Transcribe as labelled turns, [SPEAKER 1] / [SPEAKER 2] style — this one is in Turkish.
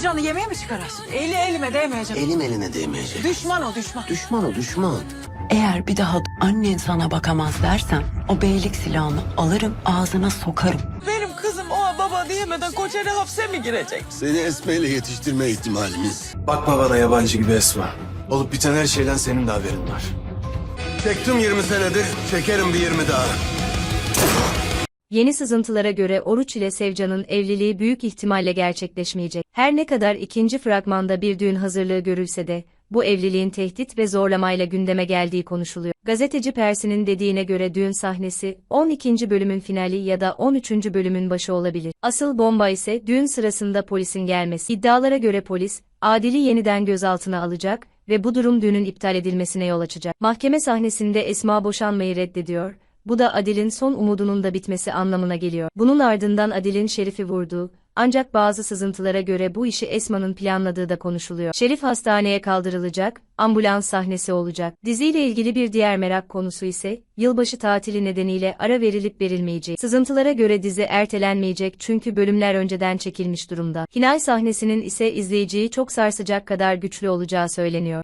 [SPEAKER 1] Hicranı yemeğe mi çıkarasın? Eli elime değmeyecek.
[SPEAKER 2] Elim eline değmeyecek.
[SPEAKER 1] Düşman o düşman.
[SPEAKER 2] Düşman o düşman.
[SPEAKER 3] Eğer bir daha annen sana bakamaz dersen o beylik silahını alırım ağzına sokarım.
[SPEAKER 1] Benim kızım o baba diyemeden Koçeri hapse mi girecek?
[SPEAKER 2] Seni Esme ile yetiştirme ihtimalimiz.
[SPEAKER 4] Bakma bana yabancı gibi Esma. Olup biten her şeyden senin de haberin var.
[SPEAKER 2] Çektim 20 senedir, çekerim bir 20 daha.
[SPEAKER 5] Yeni sızıntılara göre Oruç ile Sevcan'ın evliliği büyük ihtimalle gerçekleşmeyecek. Her ne kadar ikinci fragmanda bir düğün hazırlığı görülse de, bu evliliğin tehdit ve zorlamayla gündeme geldiği konuşuluyor. Gazeteci Persin'in dediğine göre düğün sahnesi, 12. bölümün finali ya da 13. bölümün başı olabilir. Asıl bomba ise düğün sırasında polisin gelmesi. İddialara göre polis, Adil'i yeniden gözaltına alacak ve bu durum düğünün iptal edilmesine yol açacak. Mahkeme sahnesinde Esma boşanmayı reddediyor. Bu da Adil'in son umudunun da bitmesi anlamına geliyor. Bunun ardından Adil'in Şerif'i vurduğu, ancak bazı sızıntılara göre bu işi Esma'nın planladığı da konuşuluyor. Şerif hastaneye kaldırılacak, ambulans sahnesi olacak. Diziyle ilgili bir diğer merak konusu ise, yılbaşı tatili nedeniyle ara verilip verilmeyeceği. Sızıntılara göre dizi ertelenmeyecek çünkü bölümler önceden çekilmiş durumda. Final sahnesinin ise izleyiciyi çok sarsacak kadar güçlü olacağı söyleniyor.